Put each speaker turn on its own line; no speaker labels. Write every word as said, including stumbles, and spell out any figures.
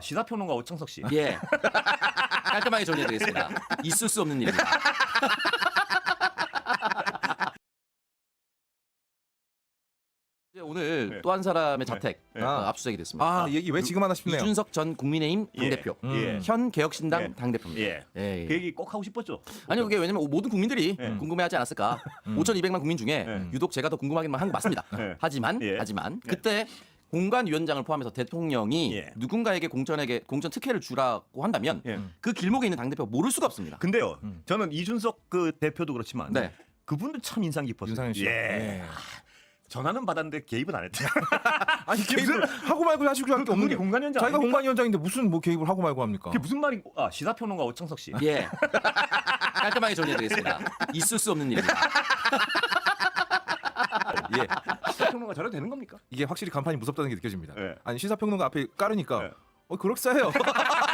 시사평론가 오창석 씨.
예. 깔끔하게 정리해드리겠습니다. 있을 수 없는 일입니다. 이제 오늘
네.
또 한 사람의 자택
네.
어, 압수수색이 됐습니다.
아, 얘기 왜 지금 하나 싶네요.
이준석 전 국민의힘
예.
당대표,
예.
현 개혁신당
예.
당대표입니다.
예.
예.
그 얘기 꼭 하고 싶었죠.
아니 그게 왜냐면 모든 국민들이
예.
궁금해하지 않았을까. 오천이백만 국민 중에
예.
유독 제가 더 궁금하기만 한 게 맞습니다.
예.
하지만
예.
하지만 그때 공관위원장을 포함해서 대통령이
예.
누군가에게 공천에게 공천 특혜를 주라고 한다면
예.
그 길목에 있는 당대표가 모를 수가 없습니다.
근데요, 저는 이준석 그 대표도 그렇지만
네.
그분도 참 인상 깊었어요.
윤상현 씨.
예.
예.
전화는 받았는데 개입은 안 했대요.
아니 개입을 하고 말고 하시고 할 게 없는
그분이
게
공관위원장
자기가
아닙니까?
공관위원장인데 무슨 뭐 개입을 하고 말고 합니까?
그게 무슨 말이? 아 시사평론가 오창석 씨.
예. 깔끔하게 정리해드리겠습니다. 있을 수 없는 일입니다.
예. 시사평론가 저래도 되는 겁니까?
이게 확실히 간판이 무섭다는 게 느껴집니다.
예.
아니 시사평론가 앞에 깔으니까
예.
어 그럴싸해요.